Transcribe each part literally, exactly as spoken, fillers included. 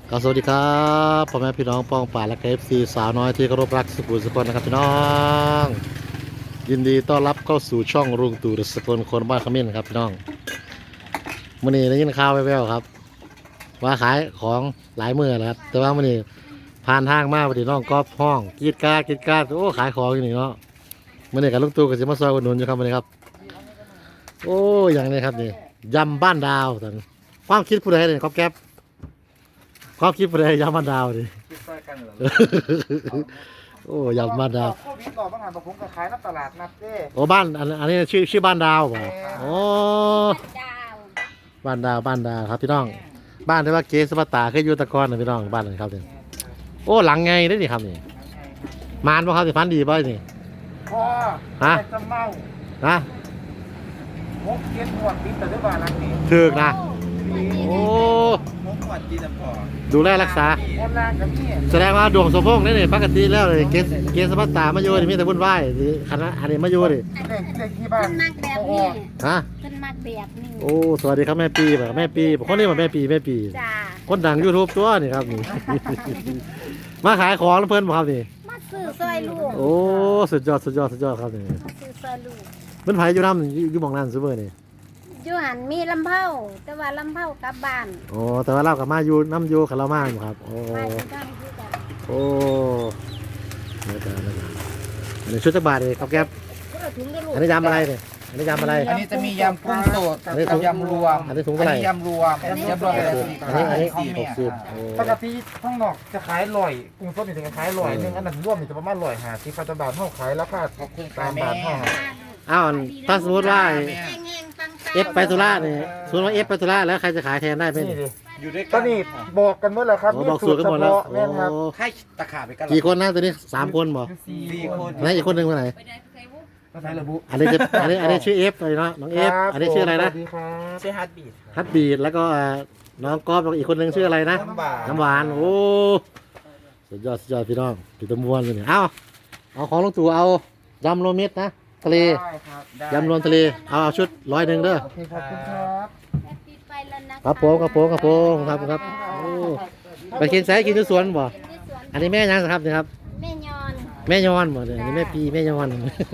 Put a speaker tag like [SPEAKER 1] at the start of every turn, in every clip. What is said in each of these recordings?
[SPEAKER 1] ครับสวัสดีครับพ่อแม่พี่น้องป้องป่าและเอฟซีสาวน้อยที่เคารพรักสุขุมสุขนะครับพี่น้องยินดีต้อนรับเข้าสู่ช่องรุ่งตู่สกลคนบ้านขมิ้นครับพี่น้องมื่อนี้ได้ยินข่าวแว่วๆครับว่าขายของหลายมื้อแล้วครับแต่ว่ามื่อนี้ผ่านทางมาพอดีน้องก๊อฟห้องกรีดกราดกรีดกราดโอ้ขายของอยู่นี่เนาะมื่อนี้กับลุงตู่ก็จะมาซอยอุดหนุนอยู่ครับมื่อนี้ครับโอ้อย่างนี้ครับนี่ยำบ้านดาวแต่ความคิดผู้ใดเนี่ยก๊อฟแก๊ปความคิดผู้ใดยำบ้านดาวดิ
[SPEAKER 2] คิดใส่กันเหรอ
[SPEAKER 1] โอ้ยำบ้านดาว
[SPEAKER 2] โควิดก่อนบางหันผมก็ขายน้ำตลาดนัดเด้
[SPEAKER 1] โอ้บ้านอันอันนี้ชื่อชื่อบ้านดาวเปล่าโอ้
[SPEAKER 3] ดาว
[SPEAKER 1] บ้านดาวบ้านดาวครับพี่น้องบ้านที่ว่าเกสปาตาเคยอยู่ตะกอนนะพี่น้องบ้านนั้นครับนี่โอ้หลังไงได้นี่ครับนี่มานบ่ครับสิฟันดีบ่นี่
[SPEAKER 2] พอ
[SPEAKER 1] ฮะ
[SPEAKER 2] แต่จะเมา
[SPEAKER 1] นะ
[SPEAKER 2] หกเก็ดหวดติดแต่ด้วยบ้านหลังนี้
[SPEAKER 1] ถึกนะ
[SPEAKER 3] โอ้
[SPEAKER 1] โอ้
[SPEAKER 2] หกหวดติดแต่พอ
[SPEAKER 1] ดูแลรักษา
[SPEAKER 2] แอนลางกับนี่
[SPEAKER 1] แสดงว่าดวงสมพงษ์นี่นี่ปกติแล้วเลยเกสเกสปาตามาอยู่นี่มีแต่วุ่นวายนี่คณะอันนี้มาอยู่นี่
[SPEAKER 2] เด็กเด็กที่บ้า
[SPEAKER 3] ขึ้
[SPEAKER 2] น
[SPEAKER 3] นมากแบบ
[SPEAKER 2] โอ้
[SPEAKER 3] นี้
[SPEAKER 1] ฮะ
[SPEAKER 3] ขึ้นมากแบบนี้
[SPEAKER 1] โอ้สวัสดีครับแม่ปีแบบแม่ปีคนนี้มาแม่ปีแม่ปี
[SPEAKER 3] จ้า
[SPEAKER 1] คนดังยูทูบตัวนี่ครับนี่ มาขายของแล้วเพิ่นบ่ครับนี่
[SPEAKER 3] มาซื้อซอยลูก
[SPEAKER 1] โอ้สุดยอดสุดยอดสุดยอดครับนี่
[SPEAKER 3] มาซื้อซอยลูก
[SPEAKER 1] มันไผอยู่นำอยู่อยู่หม่องนั้นซุเบอร์นี่
[SPEAKER 3] อยู่หันมีลำเผาแต่ว่าลำเผากลับบ้าน
[SPEAKER 1] โอ้แต่ว่าเรากับมาอยู่น้ำอยู่กับเรามาอยู่ครับโอ้
[SPEAKER 3] มาที่บ้านคือกัน
[SPEAKER 1] โอ้แล้วกันแล้วกันอันนี้ชุดจักบาทเลยครับแก๊ปอันนี้ยำอะไรเนี่ยอันนี้ยำอะไร
[SPEAKER 2] อันนี้จะมียำกุ้งสด
[SPEAKER 1] อันนี้ถุ
[SPEAKER 2] กับ
[SPEAKER 1] ง
[SPEAKER 2] ยำรวม
[SPEAKER 1] อันนี้ถุงเท่าไหร่
[SPEAKER 2] ยำรวมยำรวม
[SPEAKER 1] หกสิบอันนี้อันนี้หกสิบโอ้
[SPEAKER 2] ปกติข้างนอกจะขายลอยกุ้งสดนี่จะขายลอยหนึงอันนั้นรวมนี่จะประมาณลอยห้าสิบปัจจุบันเท่าขายราคาตามบาทเท่า
[SPEAKER 1] อ้าวถ้าสมมติว่า
[SPEAKER 3] แห้งๆปังๆ
[SPEAKER 1] เอฟไปตุลาเนี่ยสมมติว่าเอฟไปตุลาแล้วใครจะขายแทนได้ไหม
[SPEAKER 2] นี่
[SPEAKER 1] นี่
[SPEAKER 2] ดิ
[SPEAKER 4] อยู่ด้วย
[SPEAKER 2] ก็
[SPEAKER 4] กัน
[SPEAKER 2] นี่บอกกันหมดแล้วครับ
[SPEAKER 1] โอ้บอกสูตรกันหมดแล้ว
[SPEAKER 2] แม่นครับ
[SPEAKER 1] โอ้
[SPEAKER 4] ให้ตะขาบไปกัน
[SPEAKER 1] กี่คนนะตัวนี้สามคนบ่
[SPEAKER 4] สี่คน
[SPEAKER 1] ไหนอีกคนหนึ่งคนไหน
[SPEAKER 2] ภาษาระบุ
[SPEAKER 1] อันนี้จะอันนี้อันนี้ชื่อเอฟเลยเนาะน้องเอฟอันนี้ชื่ออะไรนะ
[SPEAKER 2] สวัสดีครับ
[SPEAKER 4] ใช่ฮาร์ดบีท
[SPEAKER 1] ฮัตบีดแล้วก็อ่าน้องกอล์ฟแล้วก็อีกคนหนึ่งชื่ออะไรนะ
[SPEAKER 4] น้ำหวาน
[SPEAKER 1] น้ำหวานโอ้สุดยอดสุดยอดพี่น้องพี่ตะมวนเลยเนี่ยเอาเอาของลุงตู่เอายำโรวมมิตรนะทะเล
[SPEAKER 2] ได้ครับได้
[SPEAKER 1] ยำรวมทะเลเอาเอาชุดร้อยหนึ่งเด้อ
[SPEAKER 2] โอเคขอบคุณครับ
[SPEAKER 3] แฮปปี้ไปแล้วนะะ
[SPEAKER 1] ครับผมครับผมครับผมครับครับโอ้ไปกินไสกินที่สวนบ่
[SPEAKER 3] กินที่สวน
[SPEAKER 1] อันนี้แม่ยังครับนี่ครับ
[SPEAKER 3] แม่ยอน
[SPEAKER 1] แม่ยอนบ่เนี่ยอันนี้แม่ปีแม่ยอน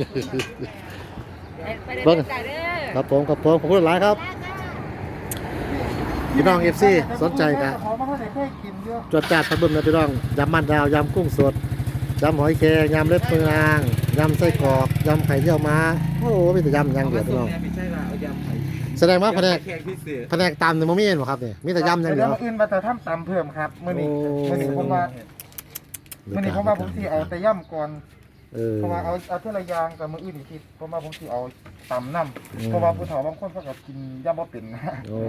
[SPEAKER 3] ไปเด้
[SPEAKER 1] เบิ่ง
[SPEAKER 3] อจ้าเด้อ
[SPEAKER 1] ครับผมครับผมขอบคุณหลายครับพี่น้องเอฟซีสนใจกะ
[SPEAKER 2] ขอมาเท่าไหร่เคยกินเยอะ
[SPEAKER 1] จวดจัดพัดเบิ่มนะพี่น้องยำมันดาวยำกุ้งสดยำหอยแครงยำเล็บมือนางยำไส้กรอกยำไข่เยี่ยวม้าโอ้โหมีแต่ยำอย่างเดียวพี่น้อง
[SPEAKER 4] ไม่ใช่ละเอายำไข่
[SPEAKER 1] แสดงว่าแผนก
[SPEAKER 4] แขกพิเศษ
[SPEAKER 1] แผนกตำเนี่ยมันไม่เห็นหรอครับเนี่ยมีแต่ยำอย่างเดี
[SPEAKER 2] เดี๋
[SPEAKER 1] ย
[SPEAKER 2] ยว วอื่นมาแต่ทำตำเพิ่มครับมื้อนี้
[SPEAKER 1] โอ้
[SPEAKER 2] มื้อนี้ผมว่ามื้อนี้ผมว่าผมสิเอาแต่ย่ำก่อน
[SPEAKER 1] เออ
[SPEAKER 2] เพราะว่าเอาเอาเท่าละอย่างกับมื้ออื่นอีกทีผมว่าผมสิเอาตำน้
[SPEAKER 1] อืม
[SPEAKER 2] ำเพราะว่าผู้เฒ่าบางคนเขาก็กินย่ำบ่เป็นนะ
[SPEAKER 1] โอ้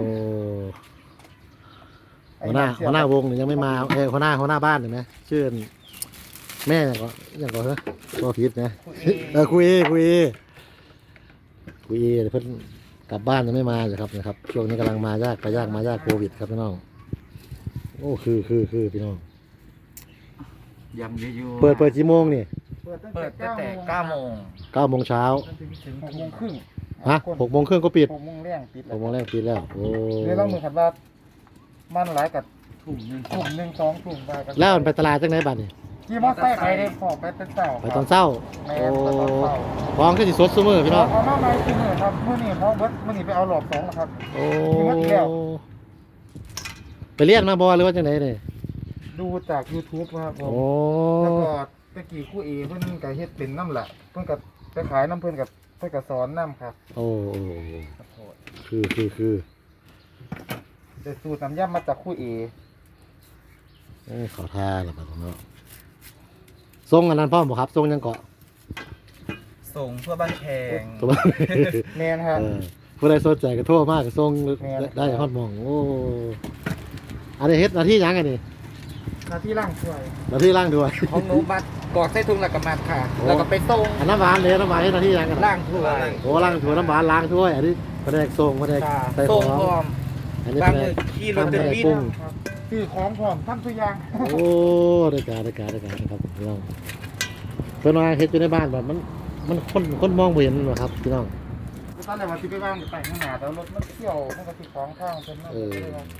[SPEAKER 1] หัวหน้าหัวหน้าวงเนี่ยยังไม่มาเออหัวหน้าหัวหน้าบ้านเห็นไหมชื่อแม่อย่างก็อย่างก็เหรอตัวผิดนะเออคุยเอคุยเอคุยเอเพิ่นกลับบ้านยังไม่มาเลยครับนะครับช่วงนี้กำลังมายากไปยากมายากโควิดครับพี่น้องโอ้คือคือคือพี่น้อง
[SPEAKER 4] ยำเยอะๆ
[SPEAKER 1] เปิดเปิดกี่โมงนี่
[SPEAKER 2] เปิดตั้ง
[SPEAKER 4] เปิดตั้งแต่
[SPEAKER 2] แต่
[SPEAKER 4] เก้าโมง
[SPEAKER 1] เก้าโมงเช้า
[SPEAKER 2] จนถึงถึงหกโมงครึ่ง
[SPEAKER 1] ฮะหกโมงครึ่งก็ปิด
[SPEAKER 2] หกโมงแรงปิด
[SPEAKER 1] หกโมงแรกปิดแล้วโอ้
[SPEAKER 2] เดี๋ยวเราเหมือนกันว่ามันหลายกับ
[SPEAKER 4] ถุงหนึง
[SPEAKER 2] กลุ่มหนึ่งสองกลุ่มไปกัน
[SPEAKER 1] แล้วมันไปตลาดจังไหนบ้านนี่
[SPEAKER 2] ขี่มอเตอร์ไซค์ใครได้ขอไปเป็นเต่า
[SPEAKER 1] ไปตอนเช้า
[SPEAKER 2] แม่
[SPEAKER 1] โอ้
[SPEAKER 2] ไปตอนเช้า
[SPEAKER 1] ของก็สิสดซุมื้อพี่น้อง
[SPEAKER 2] เอามาใหม่คือเนี่ยครับเมื่อนี้เพราะเบิร์ดเมื่อนี้ไปเอาหลอดสองนะครับ
[SPEAKER 1] โอ้
[SPEAKER 2] มีหมดแล้ว
[SPEAKER 1] ไปเรียนมาบ่หรือว่าจังไหนเนี่ย
[SPEAKER 2] ดูจาก YouTube ครับผม
[SPEAKER 1] โอ้
[SPEAKER 2] แล้วก็ตะกี้ครู่เอเพิ่นก็เฮ็ดเป็นน้ำแหละเพิ่นก็ไปขายน้ำเพิ่นกับเพิ่นก็สอนน้ำครับ
[SPEAKER 1] โอ้โอ้คือคือคือ
[SPEAKER 2] แต่สูตรน้ำยำมาจากครู่เอ
[SPEAKER 1] เอ้ยขอทาละบัดเนาะทรงอันนั้นพ่อมบ่ครับทรงยังเกาะ
[SPEAKER 4] ส่งเพื่อบ้านแขง
[SPEAKER 1] ตัวบ้าน
[SPEAKER 2] แมนครับ
[SPEAKER 1] เออผู้ใดสนใจก็โทรมากทรง
[SPEAKER 2] แม่น
[SPEAKER 1] ได้ฮอดหมองโอ้อันนี้เฮ็ดหน้าที่หยังอันนี้
[SPEAKER 2] หน้าที่ล่างช่วย
[SPEAKER 1] หน้าที่ล่างด้วย
[SPEAKER 4] ของหนูบัดกรอกใส่ถุงแล้วก็มัดค่ะ แล้วก็ไปส่ง
[SPEAKER 1] อันน้ำหวานเลยน้ำหวานเฮ็ดหน้าที่หยังกัน
[SPEAKER 4] ล่างถ้วย
[SPEAKER 1] โอ้ล้างถ้วยน้ำหวานล้างถ้วยอันนี้แผนกส่งแผนก
[SPEAKER 4] ค่ะ
[SPEAKER 1] ใส่ข
[SPEAKER 4] ส่
[SPEAKER 1] อง ง
[SPEAKER 4] พร้อม
[SPEAKER 1] อันนี้
[SPEAKER 4] บาง
[SPEAKER 1] แผน
[SPEAKER 4] มือก ขี่รถ
[SPEAKER 1] ทำ
[SPEAKER 4] เดิน
[SPEAKER 1] แผนก
[SPEAKER 4] บิน
[SPEAKER 1] ปรุง
[SPEAKER 2] ครับซื้อของพร้อมทำทุกอย่าง
[SPEAKER 1] โอ้ได้การได้การได้การนะครับพี่น้องเพิ่นว่าเฮ็ดอยู่ในบ้านแบบมันมันคนคนมองบ่เห็นหรอกครับพี่น้อง
[SPEAKER 2] ตอนแรกว่าสิไปบ้านไปข้างหน้าแต่รถมันเที่ยวมันก็สิของข้างเพิ่นมันก็เลยว่า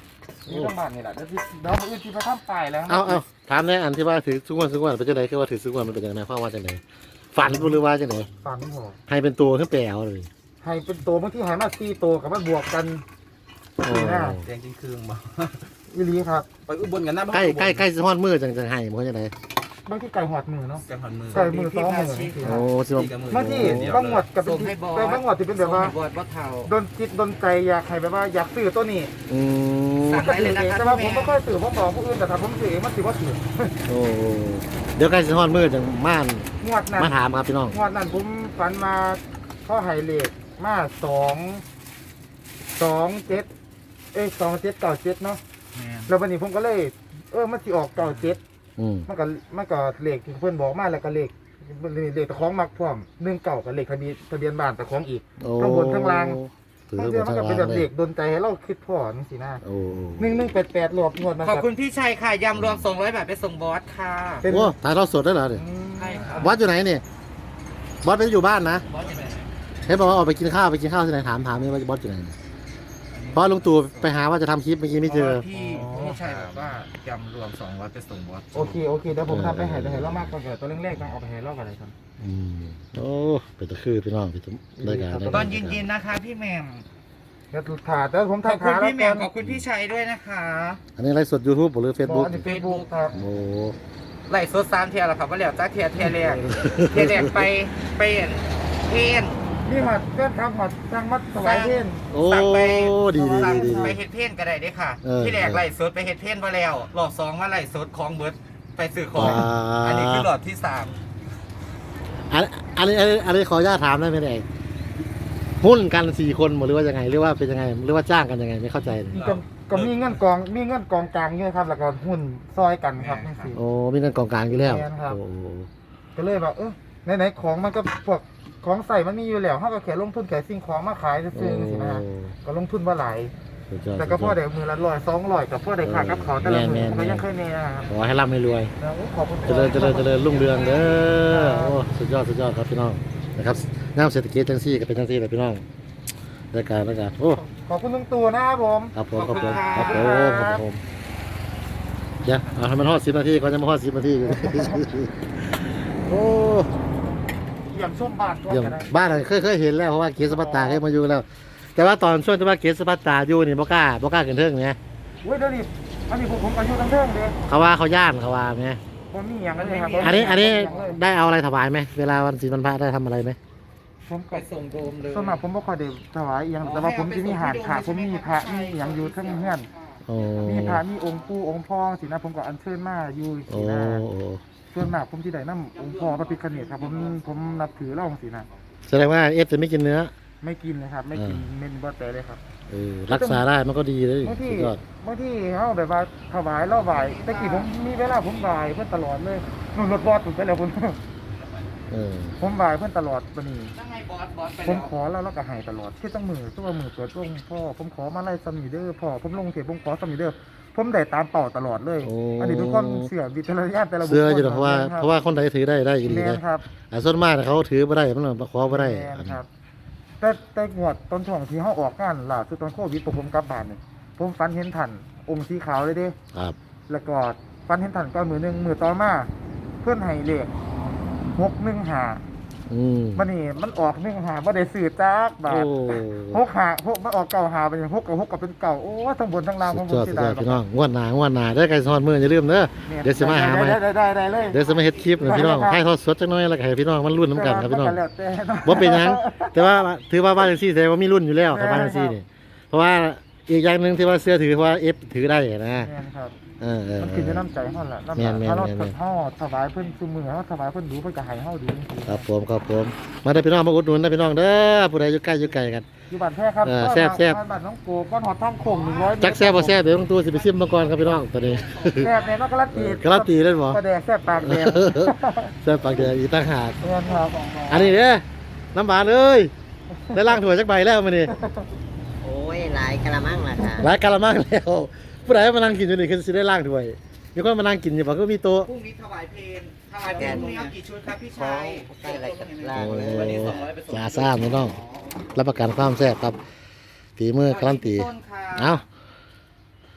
[SPEAKER 2] นี่ทั้งบ้านนี่แหละเดี๋ยวที่เดี๋ยวมื้ออื่นที่ไปทำป้ายแล้ว
[SPEAKER 1] เอาเอาถามแน่อันที่ว่าถือสุกวันสุกวันเป็นจังไดคือว่าถือสุกวันมันเป็นจังไดความว่าจังไดฝันบ่หรือว่าจังได
[SPEAKER 2] ฝันบ่
[SPEAKER 1] ให้เป็นตัวขึ้นแปลเอาเลย
[SPEAKER 2] ให้เป็นตัวบางที่ให้มาสี่ตัวกับมันบวกกัน
[SPEAKER 1] โอ้
[SPEAKER 2] สี่หน้า
[SPEAKER 4] แดงจริงคืงบ่
[SPEAKER 2] อีหลีครับ
[SPEAKER 4] ไปอุบลกันนะ
[SPEAKER 1] ใกล้ใกล้ใกล้สิฮอดมือจังจังให้บ่จังได
[SPEAKER 2] บางที่ไก่หอดมือเนาะ
[SPEAKER 4] กันหันมือ
[SPEAKER 2] ไก่มือสองมือ
[SPEAKER 1] โอ้สิว่า
[SPEAKER 2] บางที่บางหมวดกับเป็นที่แต่บางหมวดที่เป็นแบบว่า
[SPEAKER 4] บอดบ่เท่า
[SPEAKER 2] โดนจิตโดนใจอยากให้แบบว่าอยากซื้อตัวนี้
[SPEAKER 1] อืม
[SPEAKER 4] สั่งได้เลยนะครับ
[SPEAKER 2] แต่ว่าผมไม่ค่อยซื้อผมบอกผู้อื่นแต่ถ้าผมซื้อเองมันถือว่าถือ
[SPEAKER 1] โอ้เดี๋ยวใกล้สิฮอดมือจังม่าน
[SPEAKER 2] งวดนั้น
[SPEAKER 1] มาถามครับพี่น้อง
[SPEAKER 2] งวดนั้นผมฝันมาข้อไฮเลทมาสองสองเจ็ดเอ้ยสองเจ็ดเก้าเจ็ดเนาะแล้ววันนี้ผมก็เลย เออมันสิออกเก้าเจ็ด
[SPEAKER 1] อืม
[SPEAKER 2] มันก็มันก็เลขที่เพื่อนบอกมาแล้วก็เลขเลขตะของมักพร้อมหนึ่งเก่ากับเลขทะเบียนทะเบียนบ้านตะของอีก
[SPEAKER 1] โอ้
[SPEAKER 2] ข้างบนข้างล่าง
[SPEAKER 1] ถือ
[SPEAKER 2] มัน
[SPEAKER 1] บน
[SPEAKER 2] มัน
[SPEAKER 1] ทาง
[SPEAKER 2] ก็เป็น
[SPEAKER 1] ล่าง
[SPEAKER 2] แบบ
[SPEAKER 1] เล
[SPEAKER 2] เล
[SPEAKER 1] ย
[SPEAKER 2] ขดนใจให้เราคิดพ่อนี่สินะ
[SPEAKER 1] โอ้
[SPEAKER 2] หนึ่งหนึ่งแปดแปดรวบงวดมา
[SPEAKER 4] ขอบคุณพี่ชัยค่ะยำรวมสองร้อยบาทไปส่งบอสค่ะ
[SPEAKER 2] เป็น
[SPEAKER 1] โอ้ถ่ายทอดสดได้เหรอเนี่ย
[SPEAKER 2] อืม
[SPEAKER 4] ใช่ครับ
[SPEAKER 1] บอสอยู่ไหนเนี่ยบอสไปอยู่บ้านนะ
[SPEAKER 4] บอสจะไหน
[SPEAKER 1] เห็นบอกว่าออกไปกินข้าวไปกินข้าวที่ไหนถามถามนี่ว่าบอสอยู่ไหนเนี่ยเพราะลุงตู่ไปหาว่าจะทำคลิปเมื่อกี้ไม่เจอ
[SPEAKER 4] พี่พี่ชัยบอกว่ายำรวมสองร้อยไปส่งบอส
[SPEAKER 2] โอเคโอเคเดี๋ยวผมทำไปให้ไปให้เรามากกว่าเดี๋ยวตัวแรกๆต้องเอาไปให้เรากันเลยครับ
[SPEAKER 1] อืมโอ้เป็นตะคือพี่น้องพี่ตุ้มได้การได้
[SPEAKER 4] ต
[SPEAKER 1] กา
[SPEAKER 4] อ
[SPEAKER 1] ร
[SPEAKER 4] นเย็นๆนะคะพี่แหม่ม
[SPEAKER 2] เดี๋ยวถ่ายแต่ผม
[SPEAKER 4] ขอบ
[SPEAKER 2] ถ่าย
[SPEAKER 4] คุณ
[SPEAKER 2] ขาแล้ว
[SPEAKER 4] พี่แหม่
[SPEAKER 2] กั
[SPEAKER 4] ม
[SPEAKER 2] น
[SPEAKER 4] ขอบคุณพี่ชัยด้วยนะคะ
[SPEAKER 1] อันนี้ไลฟ์สด YouTube หรือ
[SPEAKER 2] บอ
[SPEAKER 1] Facebook
[SPEAKER 2] สในเฟซบุ๊กครับ
[SPEAKER 1] โอ้
[SPEAKER 4] ไล่สดสามเทียร์แล้วครับว่าแล้วจ้าเทียร์เทียร์แรกเทียร์แรกไปไปเพน
[SPEAKER 2] นี่หัดเพื่อนครับหัดทางมัดสวายเทน
[SPEAKER 1] โอ้
[SPEAKER 4] สั่งไป
[SPEAKER 1] ดีดี
[SPEAKER 4] สั่ง
[SPEAKER 1] ดีดี
[SPEAKER 4] ไปเฮ็ดเพนก็ได้เด้อค่ะ
[SPEAKER 1] เออ
[SPEAKER 4] ที่แรกไล่สดไปเฮ็ดเพนมาแล้วรอบสองมาไล่สดของเบิร์ดไปซื้อของ
[SPEAKER 1] ว้า
[SPEAKER 4] อันนี้คือรอบที่สาม
[SPEAKER 1] อันอันนี้อันนี้อันนี้ขออนุญาตถามได้ไหมเนี่ยหุ้นกันสี่คนหมดหรือว่ายังไงหรือว่าเป็นยังไงหรือว่าจ้างกันยังไงไม่เข้าใจเลย
[SPEAKER 2] ก็ก็มีเงินกองมีเงินกองกลางเนี่ยครับแล้วก็หุ้นซอยกันครับนี่สิ
[SPEAKER 1] โอ้มีเงินกองกลางอยู่แล้ว
[SPEAKER 2] แม่นครับ
[SPEAKER 1] โอ้
[SPEAKER 2] ก็เลยแบบเออไหนๆของมันก็พวกของใส่มันมีอยู่แล้วเขาก็แค่ลงทุนแค่สิ่งของมาขายซื้อๆสินะฮะก็ลงทุนว่าหลาย
[SPEAKER 1] สุดยอด
[SPEAKER 2] แต่ก็พ่อเด็กมือละร้อยสองร้อยกับพ่อเด็กขาดกับเขาแต่ละมือมันก็ยังเคยมีนะครับ
[SPEAKER 1] ขอให้ร่ำให้รวย
[SPEAKER 2] แล้วขอบคุณ
[SPEAKER 1] เจริญเจริญเจริญรุ่งเรืองเด้อโอ้สุดยอดสุดยอดครับพี่น้องนะครับน้ำเศรษฐกิจจังซี่ก็เป็นจังซี่เลยพี่น้องรายการรายการโอ้
[SPEAKER 2] ขอบคุณลุงตู่นะครับผม
[SPEAKER 1] ครับผมครับผมครับผมครับผมเดี๋ยวเอาให้มันฮอดสิบนาทีก่อนจะมาฮอดสิบนาทีอยู่ โอ้
[SPEAKER 2] เยี่ยมส้มบานตัว
[SPEAKER 1] เยี่ยม
[SPEAKER 2] กันได้
[SPEAKER 1] บ้านเราเคยเคยเห็นแล้วเพราะว่าเกศสปัตตาเคยมาอยู่แล้ว แต่ว่าตอนช่วงที่ว่าเกศสปัตตาอยู่นี่บ่กล้าบ่กล้าขึ้นเทิงไง
[SPEAKER 2] เว้ยเดี๋ยวนี้อันนี้ผมผมอายุตั้งเท่งเลย
[SPEAKER 1] เขาว่าเขาย่านเขาว่าไง
[SPEAKER 2] ผมมีอย่างนั้นเลยครับ
[SPEAKER 1] อันนี้อันนี้ได้เอาอะไรถวายไหมเวลาวันศีลวันพระได้ทำอะไรไหม
[SPEAKER 2] ผม
[SPEAKER 4] ไป
[SPEAKER 2] ก็
[SPEAKER 4] ส่งโดมเลย
[SPEAKER 2] ส่วนมากผมไม่ค่อยได้ถวายอหย่างแต่ว่าผมจะมีหาดขาผมมีพระมีอย่างอยู่ทั้งเฮือน
[SPEAKER 1] โอ้
[SPEAKER 2] มีพระมีองค์ปู่องค์พ่อสินะผมก็อัญเชิญมาอยู่
[SPEAKER 1] โอ้
[SPEAKER 2] สินะ
[SPEAKER 1] โอ้
[SPEAKER 2] ส่วนมากผมที่ได้น้ำองค์พ่อพระพิฆเนศครับผมผมนับถือเล่าสินะ
[SPEAKER 1] แสดงว่าเอฟจะไม่กินเนื้อ
[SPEAKER 2] ไม่กินเลยครับ ไม่กิน
[SPEAKER 1] อ่า
[SPEAKER 2] เมนบอแต่เลยครับ
[SPEAKER 1] เออรักษาได้มันก็ดีเลย
[SPEAKER 2] บาง
[SPEAKER 1] สุ
[SPEAKER 2] ที่
[SPEAKER 1] ดยอด
[SPEAKER 2] บางที่เขาแบบว่าถวายเล่าไหวแต่กี้ผมมีเวลาผมไหวเพื่อนตลอดเลยนุ่นรถบอสถูกไปแล้วผม
[SPEAKER 1] เออ
[SPEAKER 2] ผมไหวเพื่อนตลอดวันนี้
[SPEAKER 4] ตั้งไงบอสบอสไป
[SPEAKER 2] ผม
[SPEAKER 4] แล้ว
[SPEAKER 2] ขอแล้วแล้วก็ให้ตลอดที่ต้องมือตัวมือเปิดวงพ่อผมขอมาไล่สมีเดอร์พ่อผมลงเทปผมขอสมีเดอร์ผมได้ตามเป่าตลอดเลย
[SPEAKER 1] โอ้
[SPEAKER 2] อันนี้เป็นความเสื่อวิจารณญาณแต่ละบุคคล
[SPEAKER 1] เสื้ออยู่นะเพราะว่าเพราะว่าคนใดถือได้ได้ดี
[SPEAKER 2] แมน
[SPEAKER 1] นะครับ อ่าส่วนมากเขาถือไม่ได้มันมาขอไม่ได้
[SPEAKER 2] แมนครับ แต่แต่งวดตอนช่วงที่เขาออกงานล่าสุดตอนโควิดผมกลับบ้านเนี่ยผมฝันเห็นท่านองค์สีขาวเลยเด้
[SPEAKER 1] ครับ
[SPEAKER 2] แล้วก็ฝันเห็นท่านก้อนมือหนึ่งมือต่อมาเพื่อนให้เลขหกหนึ่งหา
[SPEAKER 1] อืม
[SPEAKER 2] มันนี่มันออกหนึ่งหาบ่ได้สื่อจักบา
[SPEAKER 1] โอ้
[SPEAKER 2] ทหกหาหกมันออกเก่าหาเป็นหกกับหกกับเป็นเก่าโอ้ทั้งบนทั้งล่างผ
[SPEAKER 1] สุ
[SPEAKER 2] ม
[SPEAKER 1] ด
[SPEAKER 2] ผ
[SPEAKER 1] ย
[SPEAKER 2] ม
[SPEAKER 1] อด
[SPEAKER 2] เสี
[SPEAKER 1] สุ
[SPEAKER 2] ย
[SPEAKER 1] ดย
[SPEAKER 2] ดา
[SPEAKER 1] อย ด
[SPEAKER 2] แบบ
[SPEAKER 1] พี่น้องงวดหน้างวดหน้าได้ไก่ซอนมืออย่าลืมเด้อ เดี๋ยวสิมาหาใหม่
[SPEAKER 2] ได้ได้ได้เลย
[SPEAKER 1] เดี๋ยวจะมาเฮ็ดคลิปให้พี่น้องให้ทอดสดจักหน่อยแล้วก็ให้พี่น้องมันรุ่นน้ำกันครับพี่น้อง
[SPEAKER 2] แล้วแต่เนาะ
[SPEAKER 1] บ่เป็นหยังแต่ว่าถือว่าบ้านจังซี่แสดงว่ามีรุ่นอยู่แล้วครับบ้านจังซี่นี่เพราะว่าอีกอย่างหนึงที่ว่าเสื้อถือเพราะว่า F ถือได้นะ
[SPEAKER 2] แม่นครับ
[SPEAKER 1] เออเออ
[SPEAKER 2] มัน
[SPEAKER 1] เอ
[SPEAKER 2] ขึ้น
[SPEAKER 1] อ
[SPEAKER 2] จะน้ำใจเฮาล่ะน้ำ
[SPEAKER 1] แม่
[SPEAKER 2] ใจ
[SPEAKER 1] นแม่น
[SPEAKER 2] ถ้าเรา
[SPEAKER 1] แม่น
[SPEAKER 2] เฮาถวายเพิ่นซุมือเฮาถวายเพิ่นดูเพิ่นก็ให้เฮาดีจริง
[SPEAKER 1] ครับผมครับผมมาได้อพี่น้องมาอุดหนุนนะพี่น้องเด้อผู้ใดอยู่ใกล้อยู่ไกลกัน
[SPEAKER 2] ๆอยู่บ้านแท้ครับ
[SPEAKER 1] เออแซ่บแซ่บ
[SPEAKER 2] บ้านน้องโกก้อนหอดทางโค้งหนึ่งร้อย
[SPEAKER 1] จักแซ่บบ่แซ่บเดี๋ยวต้องตัวสิไปซิมมาก่อนครับพี่น้องตอนนี้
[SPEAKER 2] แซ่บเนี่ยมันก็ละตี
[SPEAKER 1] การันตีเล่นบ่
[SPEAKER 2] ก็แดงแซ่บปากแดง
[SPEAKER 1] แซ่บปากแดงอีกต่างหาก
[SPEAKER 2] แม่นครับ
[SPEAKER 1] อันนี้เด้อน้ำหวานเอ้ยได้ล้างถ้วยจักใบแล้วมื้อนี้
[SPEAKER 5] โอ้ยหลายกะละมังล่ะค่ะ
[SPEAKER 1] หลายกะละมังแล้วผู้ใดมานั่งกินอยู่นี่คือสิได้ล้างถ้วยมีคนมานั่งกินอยู่บ่ก็มีโต๊ะ
[SPEAKER 4] พรุ่งนี้ถวายเพลงถวายเพลงพรุ่งนี้เอากี่ชุดครับพี่
[SPEAKER 5] ขอ
[SPEAKER 4] ชัย
[SPEAKER 5] ใกล้อะไรกับล่าง
[SPEAKER 1] โอ้
[SPEAKER 5] เลย
[SPEAKER 4] วันนี้สองร้อยไปส่ง
[SPEAKER 1] จ้าซ่ามพี่น้องรับประกันความแซ่บครับฝีมือการันตี
[SPEAKER 4] ต้นค่ะ
[SPEAKER 1] เอา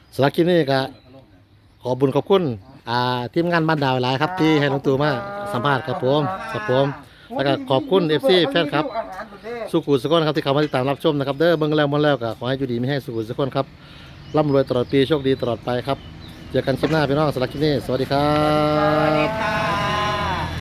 [SPEAKER 1] สำหรับคลิปนี้ก็ขอบุญขอบคุณอ่าทีมงานบ้านดาวหลายครับที่ให้ลุงตู่มาสัมภาษณ์ครับผมครับผมแล้วก็ขอบคุณ เอฟ ซี แฟนครับสุขุสุขคนครับที่เข้ามาติดตามรับชมนะครับเด้อเบิ่งแล้วมันแล้วก็ขอให้อยู่ดีไม่ให้สุขุสุขคนครับร่ำรวยตลอดปีโชคดีตลอดไปครับเจอกันคลิปหน้าพี่น้องสำหรับคลิปนี้สวัสดีครั
[SPEAKER 4] สวัสดี
[SPEAKER 1] บ
[SPEAKER 4] ค่ะ